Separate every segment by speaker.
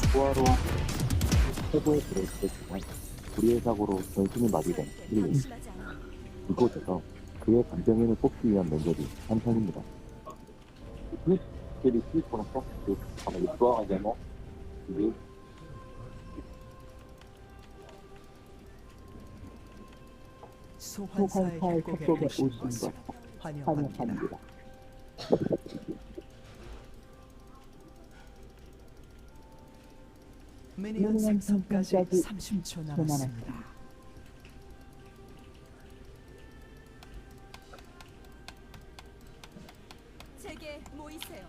Speaker 1: 포화로 세부에 들어있을 동안 불의의 사고로 전신이 마비된 힐링. 이곳에서 그의 감정인을 뽑기 위한 면접이 한편입니다. Jadi sih proses itu sama itu aja mau jadi
Speaker 2: 소환사의 협곡에 오신 것을 환영합니다. 미니언 생성까지 30초 남았습니다.
Speaker 3: 제게 모이세요.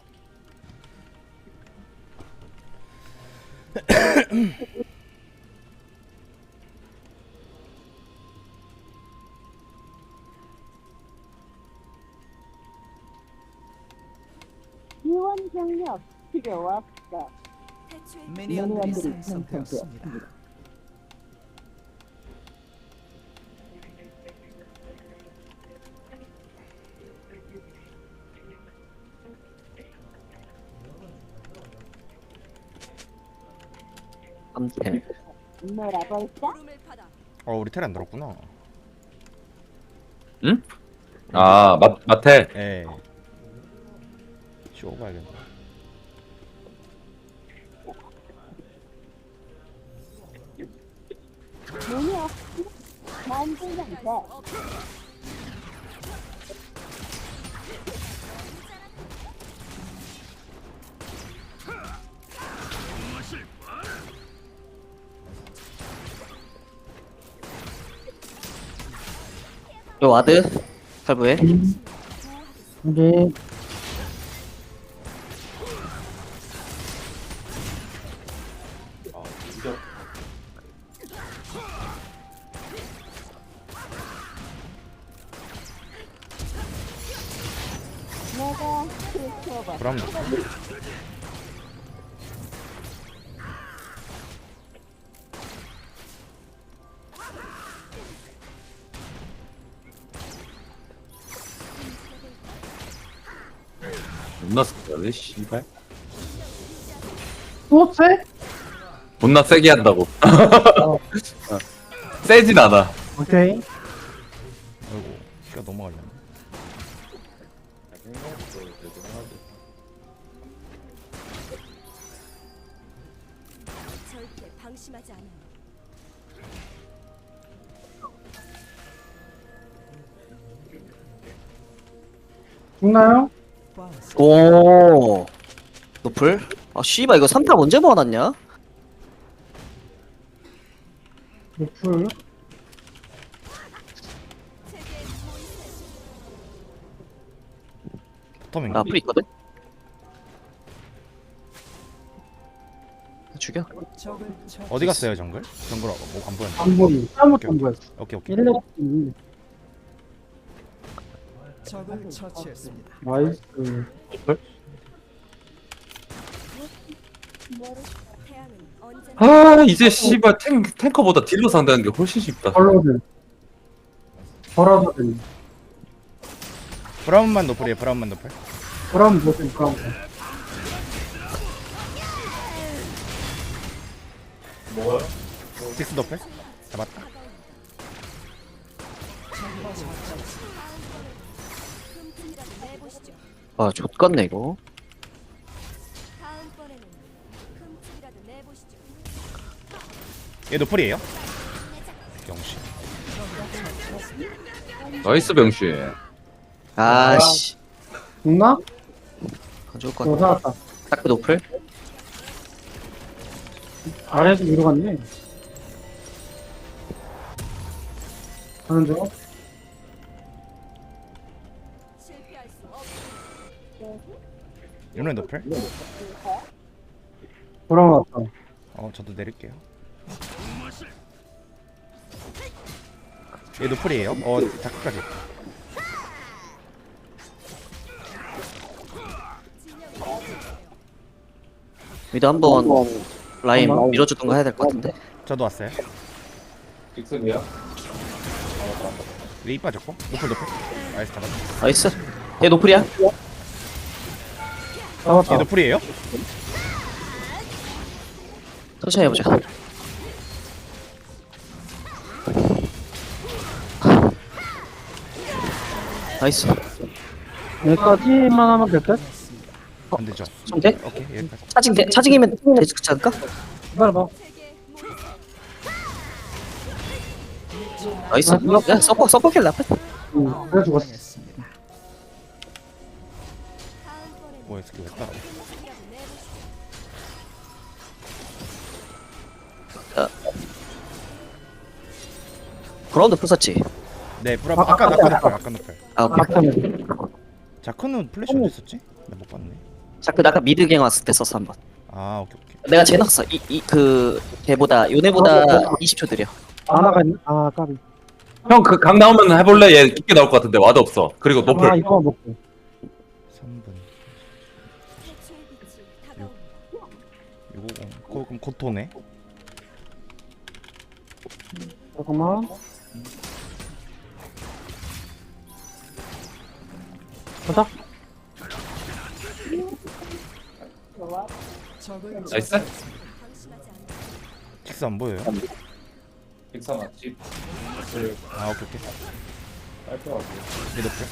Speaker 4: 지원 병력 필요 없어.
Speaker 3: 대추의
Speaker 2: 미니언들이 생성되었습니다.
Speaker 5: 암템.
Speaker 4: 놀아볼까?
Speaker 3: 구름을 받아
Speaker 6: 우리 텔 안 들었구나.
Speaker 5: 응? 아, 마텔.
Speaker 6: 에. 쇼 봐야겠네.
Speaker 4: 문이 없지? 만들면 돼.
Speaker 5: 요 와드 탈부해.
Speaker 4: 네. 내가 지켜봐.
Speaker 6: 그럼
Speaker 5: 존나 세게 씨발.
Speaker 4: 또 쎄?
Speaker 5: 존나 세게 한다고. 세진 않아.
Speaker 4: 오케이.
Speaker 6: 아이고 시간 넘어가려네.
Speaker 3: 절대 방심하지 않아요.
Speaker 4: 죽나요?
Speaker 5: 오. 노플? 아 씨발 이거 3탑 언제 모아놨냐?
Speaker 4: 노플.
Speaker 3: 제게 모이세요.
Speaker 6: 터밍.
Speaker 5: 나 풀 있거든. 죽여.
Speaker 2: 적을
Speaker 6: 어디 갔어요 정글? 정글 뭐안 보였네.
Speaker 4: 안 보이. 잘못 안 보였어.
Speaker 6: 오케이 오케이.
Speaker 4: 1렙.
Speaker 2: 적을 처치했습니다.
Speaker 4: 나이스.
Speaker 3: 태양은 언제나
Speaker 7: 아 이제 씨발 탱커보다 딜러 상대하는 게 훨씬 쉽다.
Speaker 4: 벌로든. 벌어서든.
Speaker 6: 브라운만 노플이에요. 브라운만 노플.
Speaker 4: 그럼 뭐든 그럼.
Speaker 6: 식스 노플. 잡았다.
Speaker 3: 흠집이라도 내보시죠.
Speaker 5: 아 좆같네 이거.
Speaker 3: 다음번에는 흠집이라도 내보시죠.
Speaker 6: 얘 노플이에요? 영시.
Speaker 7: 나이스 병신.
Speaker 5: 아씨.
Speaker 4: 죽나?
Speaker 5: 안 좋을 것
Speaker 4: 너
Speaker 5: 같아.
Speaker 4: 살았다.
Speaker 5: 딱 노플?
Speaker 4: 아래에서 위로 갔네. 가는 중.
Speaker 3: 실패할 수 없어.
Speaker 6: 윤회 노플.
Speaker 4: 돌아왔다.
Speaker 6: 저도 내릴게요. 얘 노플이에요? 자크까지.
Speaker 5: 미드 한번 라인 밀어주던가 해야 될 것 같은데.
Speaker 6: 저도 왔어요.
Speaker 7: 빅슨이야?
Speaker 6: 웨이 빠졌고. 노플 노플. 나이스 잡았다.
Speaker 5: 나이스. 얘 노플이야.
Speaker 4: 잡았다.
Speaker 6: 얘 노플이에요?
Speaker 5: 천천히 해보자. 나이스.
Speaker 4: 여기까지만 하면 될 듯?
Speaker 6: 안 되죠.
Speaker 5: 좀 돼?
Speaker 6: 오케이 여기까지.
Speaker 5: 차징이면 되지 않을까?
Speaker 4: 기다려봐.
Speaker 5: 나이스. 야, 서퍼킬 나쁘.
Speaker 4: 그래 죽었어.
Speaker 6: 뭐야 스킬 왜 따라?
Speaker 5: 그라운드 풀었지.
Speaker 6: 네 브라 아까 아까 높을.
Speaker 5: 아, 오케이.
Speaker 4: 막타면.
Speaker 6: 자크는 플래시 어디 있었지? 나 못 봤네.
Speaker 5: 자크 아까 미드갱 왔을 때 썼어 한번.
Speaker 6: 아 오케이 오케이.
Speaker 5: 내가 쟤 넣었어. 그 걔보다 요네보다 20초 느려.
Speaker 4: 아나가 있네. 아 까비.
Speaker 7: 형 그 강 나오면 해볼래? 얘 깊게 나올 것 같은데 와드 없어. 그리고
Speaker 4: 아
Speaker 7: 노플.
Speaker 4: 이거만 먹고.
Speaker 6: 3분.
Speaker 3: 태초의 빛이 다가옵니다.
Speaker 6: 650. 그럼 고토네.
Speaker 4: 잠깐만. 가자.
Speaker 7: 나이스.
Speaker 3: 방심하지 않는
Speaker 6: 칙스 안 보여요?
Speaker 7: 빅사 맞지?
Speaker 6: 아 오케이 오케이. 얘 높을.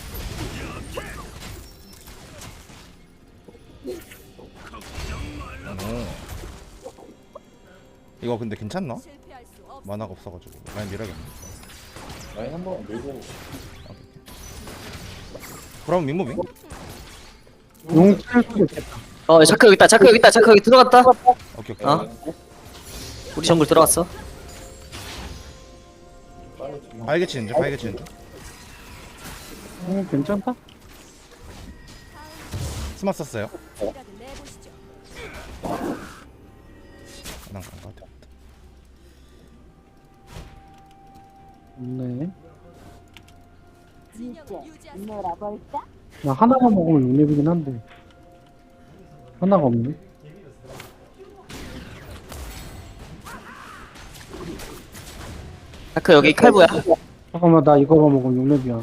Speaker 6: 오. 이거 근데 괜찮나?
Speaker 3: 실패할 수 없.
Speaker 6: 만화가 없어가지고 라인 밀어야겠네.
Speaker 7: 라인 한번 밀고.
Speaker 6: 그럼 민무빙?
Speaker 4: 용 칠 수도 있겠다.
Speaker 5: 자크 여기 있다. 자크 여기 있다. 자크 여기 들어갔다.
Speaker 6: 오케이 오케이.
Speaker 5: 어? 우리 정글 들어갔어.
Speaker 6: 바이게 치는 중 바이게 치는 중.
Speaker 4: 괜찮다.
Speaker 6: 스마 썼어요.
Speaker 3: 이라도 내보시죠.
Speaker 6: 난간것 같아.
Speaker 4: 네.
Speaker 3: 진영을 유지하세요.
Speaker 4: 나 하나만 먹으면 6렙이긴 한데. 하나가 없네.
Speaker 5: 자크 여기 칼부야.
Speaker 4: 잠깐만 나 이거만 먹으면 6렙이야.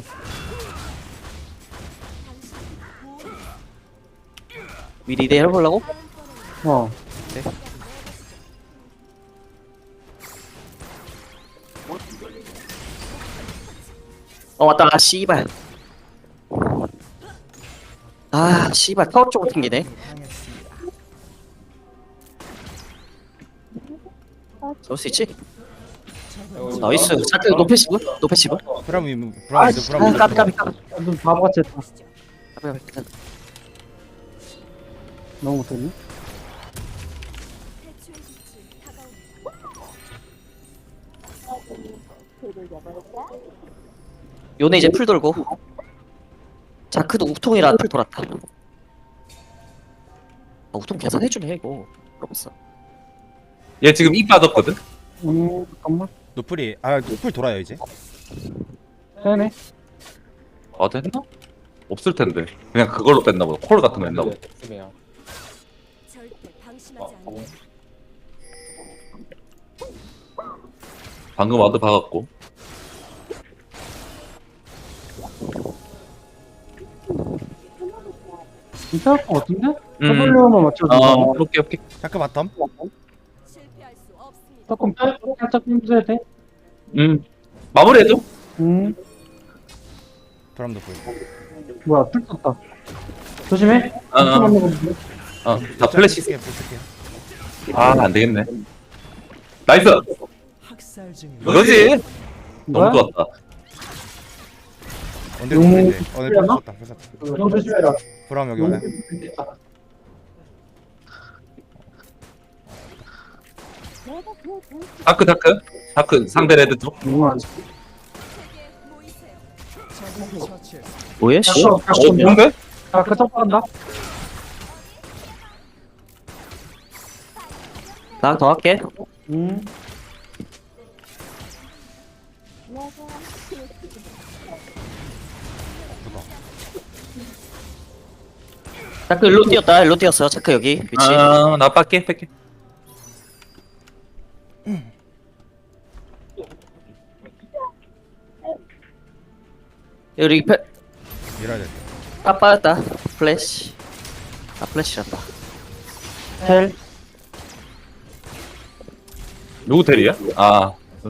Speaker 5: 미리 대 해보려고?
Speaker 4: 어.
Speaker 5: 왔다. 아, 씨발. 아, 씨발. 타워 쪽으로 튕기네. 쏠 수 있지? 나이스. 자크 노패시브? 노패시브?
Speaker 6: 브라운 민무
Speaker 5: 아,
Speaker 6: 브라운 미드 브라운 미드.
Speaker 5: 까비.
Speaker 4: 좀 바보같이 했다.
Speaker 5: 까비.
Speaker 4: 너무 못했네.
Speaker 3: 태초의 빛이 다가옵니다.
Speaker 5: 요네 이제 풀 돌고. 자크도 우통이라 풀 돌았다. 우통 계산해주네, 이거. 그러면서.
Speaker 7: 얘 지금 입 빠졌거든?
Speaker 4: 잠깐만.
Speaker 6: 노플이 노플 돌아요 이제.
Speaker 4: 되네.
Speaker 7: 아 됐나? 없을 텐데. 그냥 그걸로 뺐나 보다. 콜 같은 거 했나 보다.
Speaker 3: 절대 방심하지 않는
Speaker 7: 방금 와드 박았고.
Speaker 4: 괜찮을 것 같은데? W만 맞춰줘.
Speaker 7: 오케이.
Speaker 6: 자크 바텀.
Speaker 3: 실패할 수 없습니다.
Speaker 4: 조금 살짝 힘줘야 돼.
Speaker 7: 마무리해줘.
Speaker 6: 브라운 노플.
Speaker 4: 뭐야, 풀 떴다. 조심해.
Speaker 7: 다 플래시.
Speaker 6: 쓸게요 쓸게요.
Speaker 7: 안 되겠네. 나이스. 이거지.
Speaker 4: 뭐야?
Speaker 7: 너무 좋았다.
Speaker 6: 언제
Speaker 4: 용
Speaker 6: 노플인데? 네
Speaker 4: 풀렸나?
Speaker 6: 풀었다.
Speaker 4: 형 조심해라.
Speaker 6: 브라운 여기 와요.
Speaker 7: 다크 상대 레드 쪽.
Speaker 4: 용안.
Speaker 3: 세계 모이세요.
Speaker 5: 뭐야, 씨?
Speaker 7: 뭔데?
Speaker 4: 자, 그 첫 한다.
Speaker 5: 나 더 할게. 자크 일로 뛰었다. 일로 뛰었어. 자크 여기 위치.
Speaker 7: 나 뺄게.
Speaker 5: 여기
Speaker 6: 밀어야 돼.
Speaker 5: 빠졌다. 플래시. 플래시란다.
Speaker 4: 헬.
Speaker 7: 누구 텔이야? 아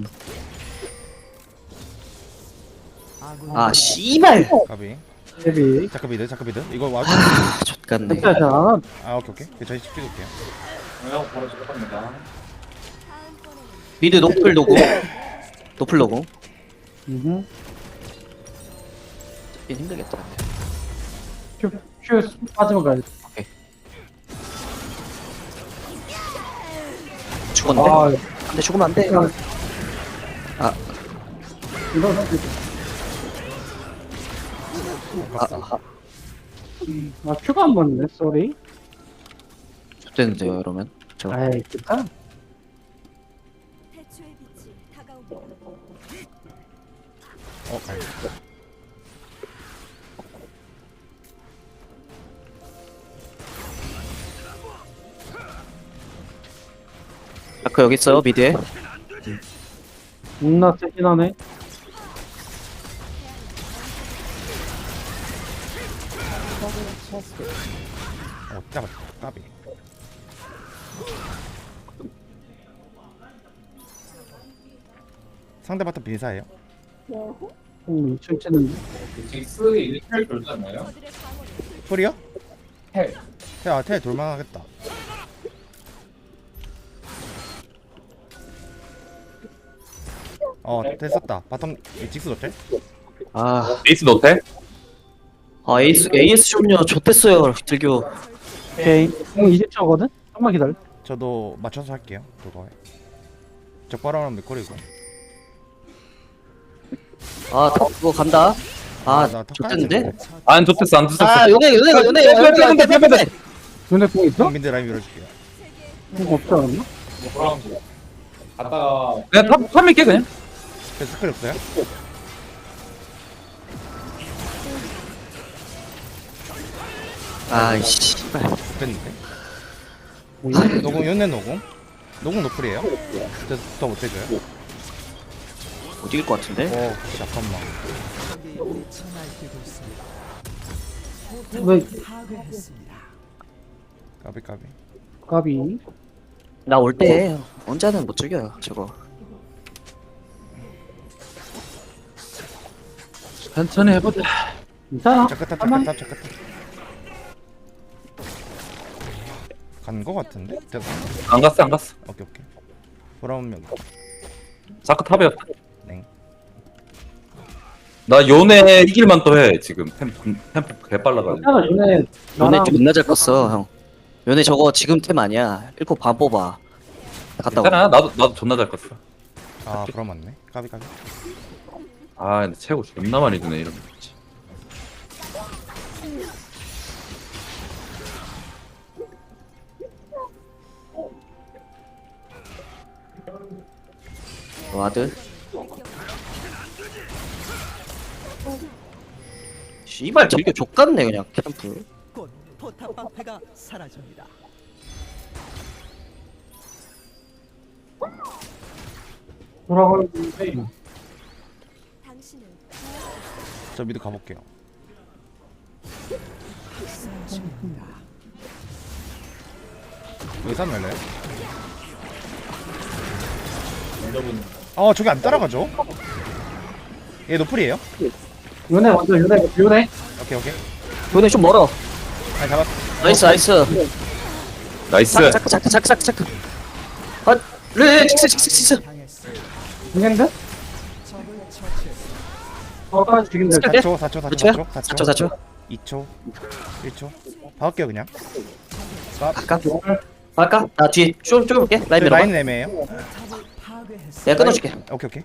Speaker 5: 아 씨발.
Speaker 6: 까비.
Speaker 4: 데뷔.
Speaker 6: 자크비드 자크비드. 이거 와.
Speaker 5: 아 좆같네.
Speaker 4: 진짜 잘.
Speaker 6: 아 오케이 오케이. 저희 찍을게요.
Speaker 3: 다음번에는
Speaker 5: 미드 노플 노고. 노플 노고.
Speaker 4: 음.
Speaker 5: 잡긴 힘들겠다.
Speaker 4: 큐 빠지면 가야 돼.
Speaker 5: 죽었네.
Speaker 4: 아,
Speaker 5: 안돼 죽으면 안돼.
Speaker 4: 이거 큐가 안 맞네. 쏘리.
Speaker 5: 죽겠는데요 이러면. 저
Speaker 4: 아이, 괜찮아.
Speaker 3: 태초의 빛이 다가옵니다.
Speaker 6: 아니.
Speaker 5: 아크 여기 있어요 미드에.
Speaker 4: 존나 세긴 하네.
Speaker 6: 잡았다. 까비. 상대 바텀 빈사예요.
Speaker 4: 2층 찌는데.
Speaker 3: 저들의 방어를
Speaker 6: 풀이요? 텔. 텔 돌만하겠다. 텔 썼다. 바텀 직스 노텔?
Speaker 5: 아,
Speaker 7: 에이스 노텔?
Speaker 5: 아 AS 좀요 좋댔어요 들교.
Speaker 4: 오케이. 형 20초거든? 조금만 기다려.
Speaker 6: 저도 맞춰서 할게요. 그거에. 적바람은 맥거리고.
Speaker 5: 아 그거 간다. 아
Speaker 6: 나
Speaker 5: 좋댔는데.
Speaker 7: 안 좋댔어 안 좋댔어.
Speaker 5: 아 요네
Speaker 7: 빼빼빼빼빼.
Speaker 4: 눈에 공 있어?
Speaker 6: 민대 라인 밀어줄게요.
Speaker 4: 공 없지 않았나?
Speaker 7: 그냥 탑 밀게 그냥.
Speaker 6: 스킬 없어요?
Speaker 5: 아이씨.
Speaker 6: 됐는데. 노공 연내 노공. 노공 노플이에요. 더 못해줘요.
Speaker 5: 못 이길 것 같은데.
Speaker 6: 잠깐만.
Speaker 4: 왜,
Speaker 6: 까비 까비.
Speaker 4: 까비.
Speaker 5: 나 올 때 언제는 못 죽여요 저거.
Speaker 7: 천천히 해보자.
Speaker 4: 괜찮아.
Speaker 6: 잠깐
Speaker 4: 한번
Speaker 6: 간거 같은데? 됐어.
Speaker 7: 안 갔어 안 갔어.
Speaker 6: 오케이. 돌아오면
Speaker 7: 자크 탑이었다.
Speaker 6: 네.
Speaker 7: 나 요네 이길만 또 해 지금 템포 개빨라가지고.
Speaker 4: 괜찮아. 눈에
Speaker 5: 요네
Speaker 4: 나랑
Speaker 5: 존나 잘 컸어 형. 요네 저거 지금 템 아니야. 1코 반 뽑아. 갔다 와.
Speaker 7: 괜찮아 나도 존나 잘 컸어.
Speaker 6: 아 그럼 맞네. 까비.
Speaker 7: 아 근데 최고 존나 많이 드네 이러면.
Speaker 5: 와드. 씨발 들교 족같네 그냥 캠프.
Speaker 8: 곧 포탑 방패가 사라집니다.
Speaker 4: 돌아가는데.
Speaker 3: 당신은
Speaker 6: 저 미드 가볼게요. 여기 싸움 열려요? 저기 안 따라가죠? 얘 노플이에요?
Speaker 4: 요네 먼저 요네.
Speaker 6: 오케이.
Speaker 5: 요네 좀 멀어.
Speaker 6: 아니 잡았어.
Speaker 5: 나이스.
Speaker 7: 나이스.
Speaker 5: 차크. 아, 네, 직스.
Speaker 4: 죽겠는데? 어까지 죽인다.
Speaker 5: 스킬
Speaker 6: 4초.
Speaker 5: 4초.
Speaker 6: 2초. 1초. 박을게요 그냥.
Speaker 5: 아까 나 뒤에 좀 볼게. 라인 밀어봐.
Speaker 6: 라인 애매해요.
Speaker 5: 내가 끊어줄게.
Speaker 6: 오케이.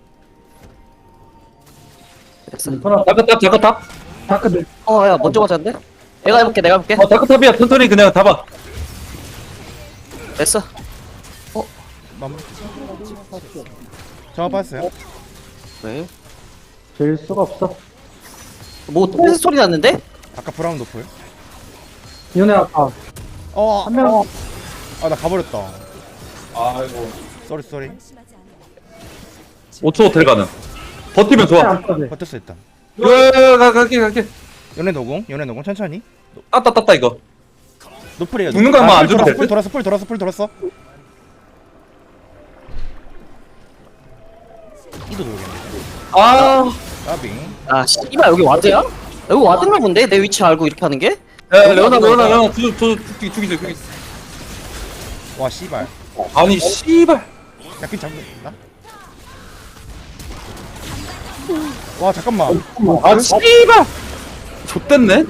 Speaker 5: 됐어.
Speaker 7: 자크 탑.
Speaker 4: 다크들.
Speaker 5: 야 먼저 맞았는데? 내가 해볼게.
Speaker 7: 자크 탑이야 천천히 그냥 잡아.
Speaker 5: 됐어.
Speaker 6: 마무리. 정화 빠졌어요.
Speaker 5: 왜?
Speaker 4: 될 수가 없어.
Speaker 5: 뭐 똥에서 소리 났는데?
Speaker 6: 아까 브라운 노플.
Speaker 4: 요네 아까 한 명.
Speaker 6: 나 가버렸다. 아이고. 쏘리.
Speaker 3: 방심하지 않아.
Speaker 7: 5초 호텔 가는. 버티면 좋아.
Speaker 4: 안 떠네.
Speaker 6: 버텼어 일단.
Speaker 7: 갈게.
Speaker 6: 연애 노공 천천히.
Speaker 7: 따 이거.
Speaker 6: 노플이에요.
Speaker 7: 죽는 거 아마 안 줘도 될
Speaker 6: 풀
Speaker 7: 듯?
Speaker 6: 돌았어. 미드도 돌겠는데.
Speaker 7: 아,
Speaker 6: 까비.
Speaker 5: 아 씨발 여기 와드야? 여기 와드인가 본데? 내 위치 알고 이렇게 하는 게?
Speaker 7: 야, 레오나, 죽이세요.
Speaker 6: 와 씨발.
Speaker 7: 아니, 씨발.
Speaker 6: 약간 잡는다. 와 잠깐만.
Speaker 7: 아, 씨발. 좆됐네.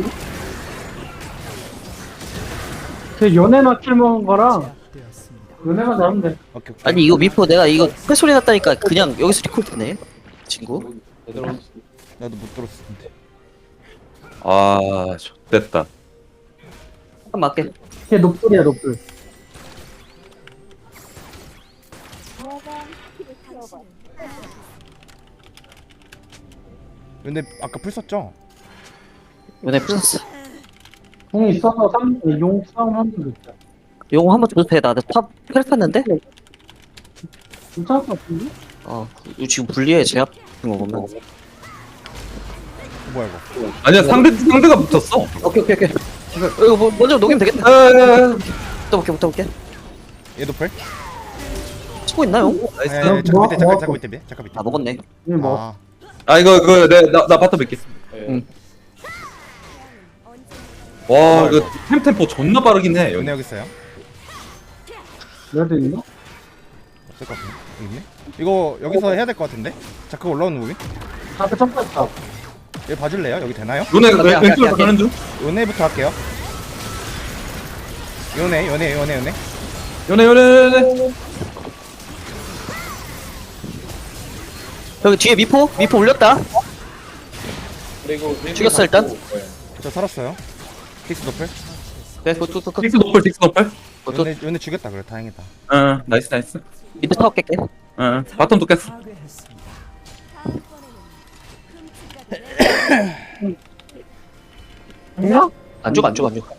Speaker 4: 그 연애나 킬 먹은 거랑 연애만 나오면 돼.
Speaker 6: 오케이 오케이.
Speaker 5: 아니 이거 미포 내가 이거 패소리 났다니까 그냥 여기서 리콜 되네 친구.
Speaker 6: 나도 못 들었을 텐데.
Speaker 7: 아, 좆됐다.
Speaker 5: 한 맞게.
Speaker 4: 걔 높돌이야 높돌.
Speaker 6: 근데 아까 풀 썼죠?
Speaker 5: 연애 풀었어.
Speaker 4: 공이 있어서 용 싸움 하는 거 있다.
Speaker 5: 용어 한번 줘도 돼. 나도 팝 헬프했는데?
Speaker 4: 괜찮을 것 같은데?
Speaker 5: 이거 지금 불리해 제압 같은 거 보면.
Speaker 6: 뭐야 이거?
Speaker 7: 아니야, 상대가 붙었어.
Speaker 5: 오케이. 이거 먼저 녹이면 되겠다. 붙어볼게.
Speaker 6: 얘도 풀?
Speaker 5: 치고 있나요?
Speaker 7: 나이스.
Speaker 6: 아니, 잠깐 밑에 잠깐 밑에.
Speaker 5: 아 먹었네.
Speaker 4: 이거 뭐
Speaker 6: 아
Speaker 7: 아, 이거, 나 바텀 뵙겠습니다 와, 이거 템포 존나 빠르긴 해, 여기.
Speaker 6: 연애 여기 있어요?
Speaker 4: 레드 있나?
Speaker 6: 없을 것 같은데. 여기 있네? 이거 여기서 해야 될 것 같은데? 자크 올라오는 무빙?
Speaker 4: 앞에 점프했다.
Speaker 6: 여기 봐줄래요? 여기 되나요?
Speaker 7: 요네,
Speaker 5: 오케이.
Speaker 7: 왼쪽으로 가는 중?
Speaker 6: 연애부터 할게요. 연애.
Speaker 7: 요네.
Speaker 5: 여기 뒤에 미포 올렸다. 죽였어 일단.
Speaker 6: 저 살았어요. 픽스 도플.
Speaker 5: 네, 굿.
Speaker 7: 딕스 노플.
Speaker 6: 연애 죽였다 그래 다행이다.
Speaker 7: 응, 나이스.
Speaker 5: 미드 타워 깰게.
Speaker 7: 응, 바텀도 깼어.
Speaker 3: 다음번에는
Speaker 4: 아니야?
Speaker 5: 안 죽어.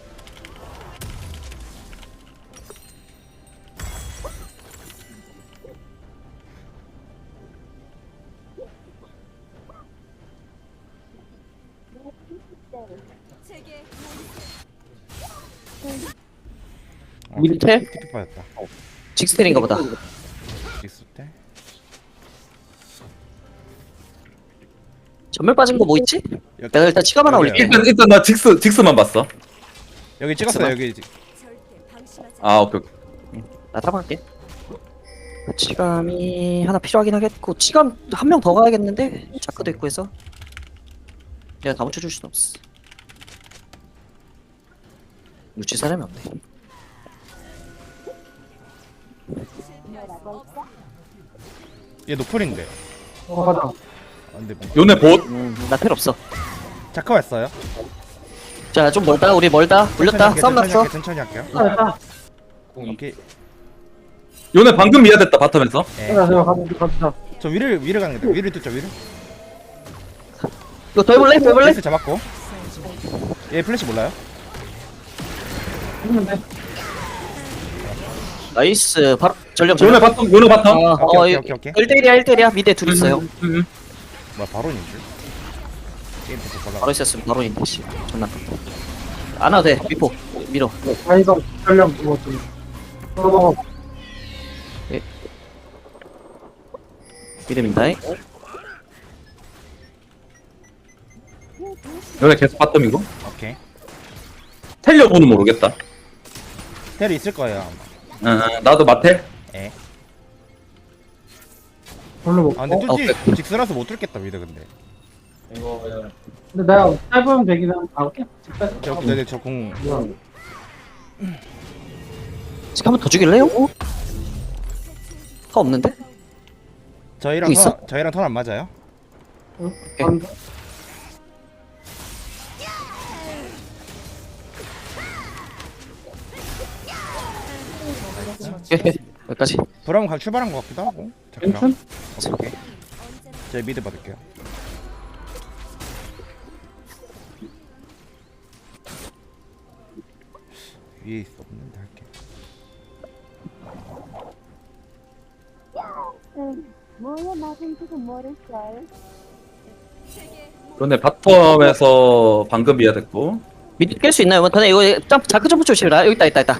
Speaker 3: 제게
Speaker 5: 미드 텔?
Speaker 6: 픽 빠졌다.
Speaker 5: 직스텔인가 보다.
Speaker 6: 픽스 때.
Speaker 5: 전멸 빠진 거 뭐 있지? 내가 일단 치감 하나 올릴게.
Speaker 7: 일단 나 딕스만 봤어.
Speaker 6: 여기 찍었어요 여기.
Speaker 3: 절대 방심하지
Speaker 7: 아, 오케이.
Speaker 5: 나 따라갈게. 치감이 하나 필요하긴 하겠고 치감 한 명 더 가야겠는데 자크도 있고 해서 내가 다 묻혀줄 순 없어. 유치 사람이 없네.
Speaker 6: 얘 노플인데.
Speaker 4: 가자.
Speaker 6: 아, 근데 뭐.
Speaker 7: 요네 봇.
Speaker 5: 나 필요 없어.
Speaker 6: 자크 왔어요.
Speaker 5: 자 좀 멀다. 우리 멀다. 물렸다. 싸움 났어.
Speaker 6: 천천히 할게요.
Speaker 4: 됐다.
Speaker 6: 오케이.
Speaker 7: 요네 방금 미아됐다, 바텀에서.
Speaker 6: 예.
Speaker 4: 가자.
Speaker 6: 저 위를 가는 거다. 위를 뚫죠 위를.
Speaker 5: 이거 더 해볼래?
Speaker 6: 플래시 잡았고. 얘 플래시 몰라요?
Speaker 4: 했는데.
Speaker 5: 나이스. 바로 전령.
Speaker 7: 요네 바텀.
Speaker 6: 오케이.
Speaker 5: 1대1이야 미드에 둘 있어요.
Speaker 6: 뭐야 바론인 줄? 게임부터
Speaker 5: 바로
Speaker 6: 발라.
Speaker 5: 있었으면 바로인데 씨. 존나 아깝다. 안 와도 돼. 미포 밀어.
Speaker 4: 아 이거 전령 그거 좀. 먹어.
Speaker 5: 미드 민다잉.
Speaker 7: 요네 계속 바텀이고.
Speaker 6: 오케이.
Speaker 7: 텔려보는 모르겠다.
Speaker 6: 텔이 있을 거예요.
Speaker 7: 나도 마텔.
Speaker 6: 예.
Speaker 4: 별로 먹고.
Speaker 6: 아 근데 뚫지
Speaker 5: 오케이.
Speaker 6: 직스라서 못 뚫겠다 미드 근데.
Speaker 4: 근데 내가 짧으면 되긴 하고.
Speaker 6: 저공
Speaker 5: 지금 한 번 더 죽일래요? 타 없는데?
Speaker 6: 저희랑
Speaker 5: 있어?
Speaker 6: 저희랑 턴 안 맞아요?
Speaker 5: 여기까지.
Speaker 6: 브라운 가 출발한 것 같기도 하고. 자크랑.
Speaker 4: 괜찮?
Speaker 6: 오케이. 저희 미드 받을게요. 위에 있어 없는데 할게.
Speaker 2: 뭐야 나는 지금 모르겠어요.
Speaker 7: 요네 바텀에서 방금 미아됐고.
Speaker 5: 미드 깰 수 있나요? 근데 이거 점프 자크 점프 조심해라. 여기 있다.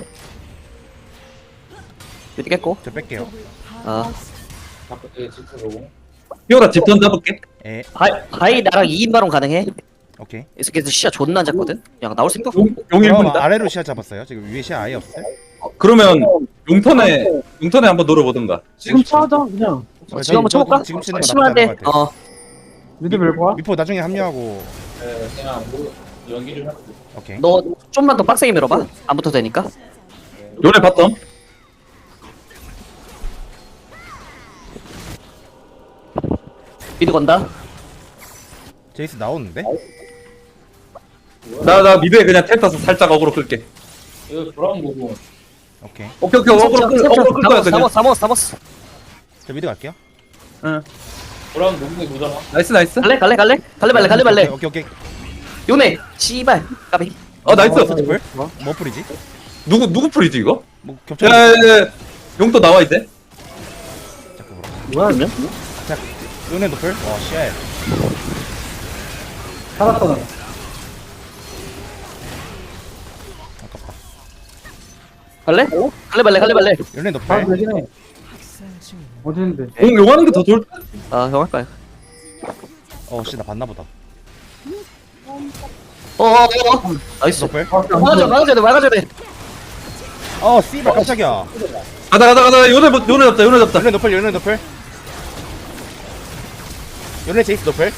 Speaker 5: 미드 깼고.
Speaker 6: 저 뺄게요.
Speaker 5: 아.
Speaker 7: 피오라 집전 잡을게.
Speaker 6: 에
Speaker 5: 바이 나랑 2인 바론 가능해?
Speaker 6: 오케이.
Speaker 5: 이 새끼들 시야 존나 안 잡거든? 야 나올 생각
Speaker 7: 용
Speaker 6: 그럼
Speaker 7: 1분이다.
Speaker 6: 아래로 시야 잡았어요. 지금 위에 시야 아예 없어요.
Speaker 7: 그러면 용턴에 한번 노려보든가.
Speaker 4: 지금 차하자 그냥.
Speaker 5: 지금 한번 쳐볼까?
Speaker 6: 지금 치는 게 나쁘지
Speaker 5: 심한데
Speaker 6: 않은 것 같아.
Speaker 4: 미드 밀고 와.
Speaker 6: 미포 나중에 합류하고. 오케이.
Speaker 5: 너 좀만 더 빡세게 밀어봐 안 붙어도 되니까
Speaker 7: 요네 바텀.
Speaker 5: 미드 건다
Speaker 6: 제이스 나오는데?
Speaker 7: 나 미드에 그냥 텔 타서 살짝 어그로 끌게.
Speaker 6: 오케이.
Speaker 7: 오케이 어그로 끌 거야 그냥.
Speaker 5: 사모스
Speaker 6: 저 미드 갈게요.
Speaker 7: 나이스 나이스.
Speaker 5: 갈래 발래
Speaker 6: 오케이.
Speaker 5: 요네 씨발 까비
Speaker 7: 나이스.
Speaker 6: 스티플? 뭐 풀이지?
Speaker 7: 누구 풀이지 이거?
Speaker 6: 뭐 겹쳐.
Speaker 7: 야야야. 용또 나와 이제.
Speaker 6: 자꾸
Speaker 4: 뭐야?
Speaker 6: 자, 은혜 노플. 와 쉣.
Speaker 4: 살았다 나.
Speaker 6: 아깝다.
Speaker 5: 갈래 발래
Speaker 6: 은혜
Speaker 4: 다
Speaker 6: 노플.
Speaker 4: 되긴 해. 어디 있는데?
Speaker 7: 용하는 게 더 좋을 듯?
Speaker 5: 형 할까요?
Speaker 6: 나 봤나 보다.
Speaker 5: 나이스
Speaker 6: 노플.
Speaker 5: 막아줘야 돼
Speaker 6: 씨발 깜짝이야.
Speaker 7: 가자 요네 잡자.
Speaker 6: 은혜 노플. 은혜 제이스 노플.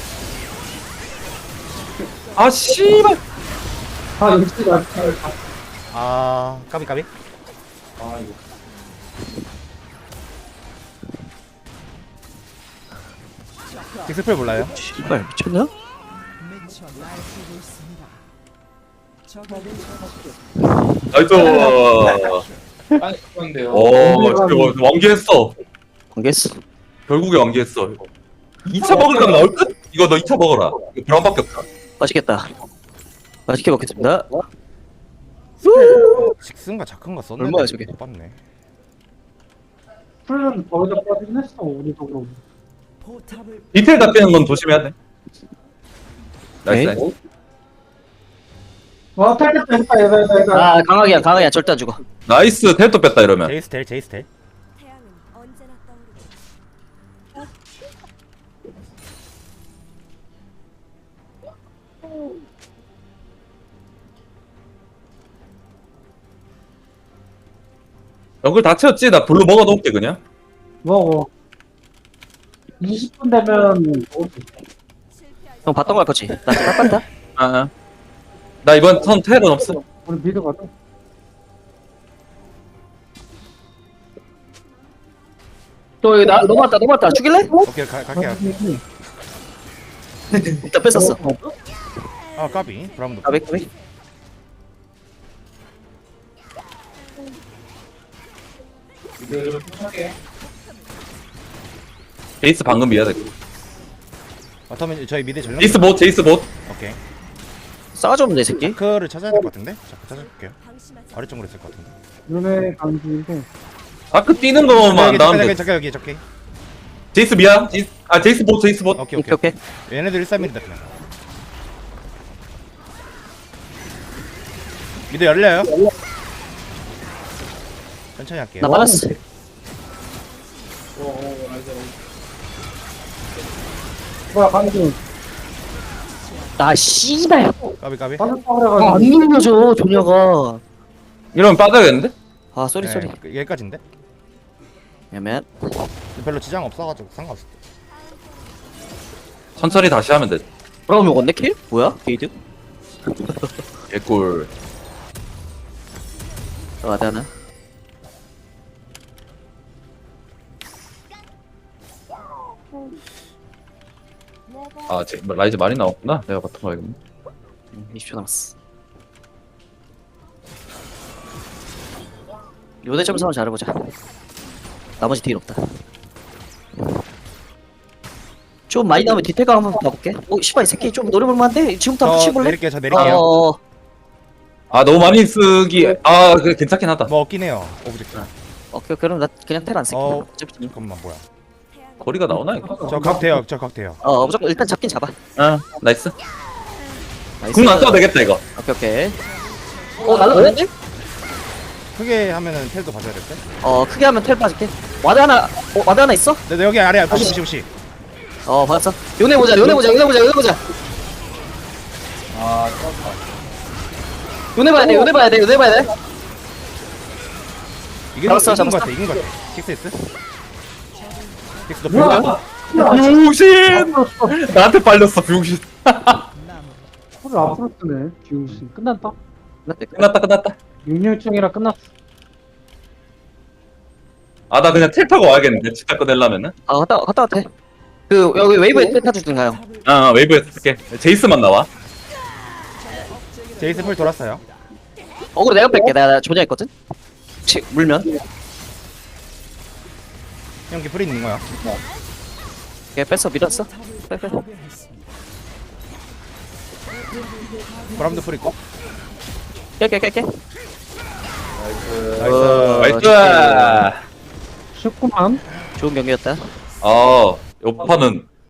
Speaker 7: 아 씨발.
Speaker 4: 아 역시 나.
Speaker 6: 까비. 딕스플 몰라요?
Speaker 5: 씨발 미쳤냐?
Speaker 8: 미쳐 날뛰고 있습니다. 적에게
Speaker 7: 나이스. 오, 완기했어.
Speaker 5: 관계했어
Speaker 7: 결국에 완기했어. 2차 먹을 각 나올 듯? 이거 너 2차 먹어라. 이거 브라운밖에 없다.
Speaker 5: 맛있겠다 맛있게 먹겠습니다
Speaker 6: 직슨가 자크인가 썼는데
Speaker 5: 얼마야, 저게?
Speaker 6: 못 봤네.
Speaker 4: 풀은 거기다 빠지긴 했어 우리 쪽으로.
Speaker 8: 포탑을
Speaker 7: 디테일 잡히는 건 조심해야 돼.
Speaker 5: 에이?
Speaker 7: 나이스.
Speaker 4: 와 탈겠다 얘다.
Speaker 5: 강하게 절대 안 죽어
Speaker 7: 나이스. 텔도 뺐다 이러면.
Speaker 6: 제이스 텔.
Speaker 3: 태양은 언제나 떠오르고
Speaker 7: 연글 다 채웠지? 나 블루 먹어 놓을게 그냥.
Speaker 4: 먹어. 20분 되면
Speaker 3: 실패할
Speaker 5: 형 봤던 거 할 거지? 나 깜빡다
Speaker 7: 아. 나 이번 턴 텔은 없어.
Speaker 4: 우리 미드 가자.
Speaker 5: 또 여기 넘어왔다 죽일래?
Speaker 6: 오케이 갈게요.
Speaker 5: 일단 뺐었어
Speaker 6: 까비. 브라운 노플.
Speaker 5: 까비
Speaker 7: 제이스 방금 미야 돼.
Speaker 6: 바텀은 저희 미드 전령.
Speaker 7: 제이스 봇.
Speaker 6: 오케이.
Speaker 5: 싸가지 없네 이 새끼
Speaker 6: 자크를 찾아야 될 것 같은데? 자크 찾아볼게요.
Speaker 3: 방심하지
Speaker 6: 아래쪽으로 있을 것 같은데.
Speaker 4: 눈에 감기인데.
Speaker 7: 다크 뛰는 거만 안 나오면 돼.
Speaker 6: 저기 여기.
Speaker 7: 제이스 미야. 제이스 봇.
Speaker 6: 오케이.
Speaker 5: 오케이
Speaker 6: 얘네들 131이다 그냥. 미드 열려요. 천천히 할게요.
Speaker 5: 나 받았어
Speaker 4: 뭐야 감기.
Speaker 5: 나 씨발
Speaker 6: 까비.
Speaker 4: 빠졌다 그래가지고.
Speaker 5: 안 눌려줘 조녀가
Speaker 7: 이러면 빠져야겠는데?
Speaker 5: 아 쏘리
Speaker 6: 여기까지인데?
Speaker 5: 야맨
Speaker 6: 별로 지장 없어가지고 상관없어.
Speaker 7: 천천히 다시 하면 돼.
Speaker 5: 브라운 먹었네 킬? 뭐야? 게이드?
Speaker 7: 개꿀.
Speaker 5: 들어가자 하나
Speaker 7: 라이즈 많이 나왔구나. 내가 바텀 가야겠네.
Speaker 5: 20초 남았어 요대 점수만 잘해보자 나머지 딜 없다 좀 많이 나오면 디테가 한번 봐볼게 씨발 이 새끼 좀 노려볼만한데? 지금부터 한번 치볼래?
Speaker 6: 저 내릴게요.
Speaker 7: 너무 많이 쓰기. 그래 괜찮긴 하다.
Speaker 6: 뭐 없긴 해요. 오브젝트.
Speaker 5: 오케이 그럼 나 그냥 텔 안 쓸게 어차피
Speaker 6: 잠깐만 뭐야?
Speaker 7: 거리가 나오나 이거?
Speaker 6: 저 각 돼요.
Speaker 5: 무조건 일단 잡긴 잡아
Speaker 7: 나이스.
Speaker 5: 나이스.
Speaker 7: 궁 안 써도 되겠다 이거.
Speaker 5: 오케이 날라가는데?
Speaker 6: 크게 하면은 텔도 봐줘야 될 때.
Speaker 5: 크게 하면 텔 빠질게 와드 하나 있어?
Speaker 6: 네, 여기 아래야. 90.
Speaker 5: 받았어. 요네 보자. 요네 보자.
Speaker 7: 아,
Speaker 5: 요네 봐야 돼. 요네 봐야 돼. 잡았어,
Speaker 6: 이긴 거
Speaker 5: 잡았어.
Speaker 6: 같아. 이긴 거 같아. 킥스. 킥스 너
Speaker 4: 뭐야?
Speaker 6: 보여?
Speaker 7: 병신! 나한테 빨렸어, 병신.
Speaker 4: 코를 앞으로 뜨네. 비우시. 끝났다.
Speaker 7: 끝났다.
Speaker 4: 6령충이라 끝났어.
Speaker 7: 아, 나 그냥 텔 타고 와야겠는데, 치타 꺼내려면은.
Speaker 5: 갔다 와도 돼. 그 여기 웨이브에 텔 타주든가요.
Speaker 7: 웨이브에서 쓸게. 제이스만 나와.
Speaker 6: 제이스 풀 돌았어요.
Speaker 5: 어그로 내가 뺄게. 내가 조냐했거든. 물면.
Speaker 6: 형기 풀 있는 거야.
Speaker 5: 걔 뺐어. 밀었어. 빼.
Speaker 6: 바람도 풀 있고.
Speaker 5: 깨.
Speaker 7: 나이스.
Speaker 4: 쉽구만.
Speaker 5: 좋은 경기였다.
Speaker 7: 요 판은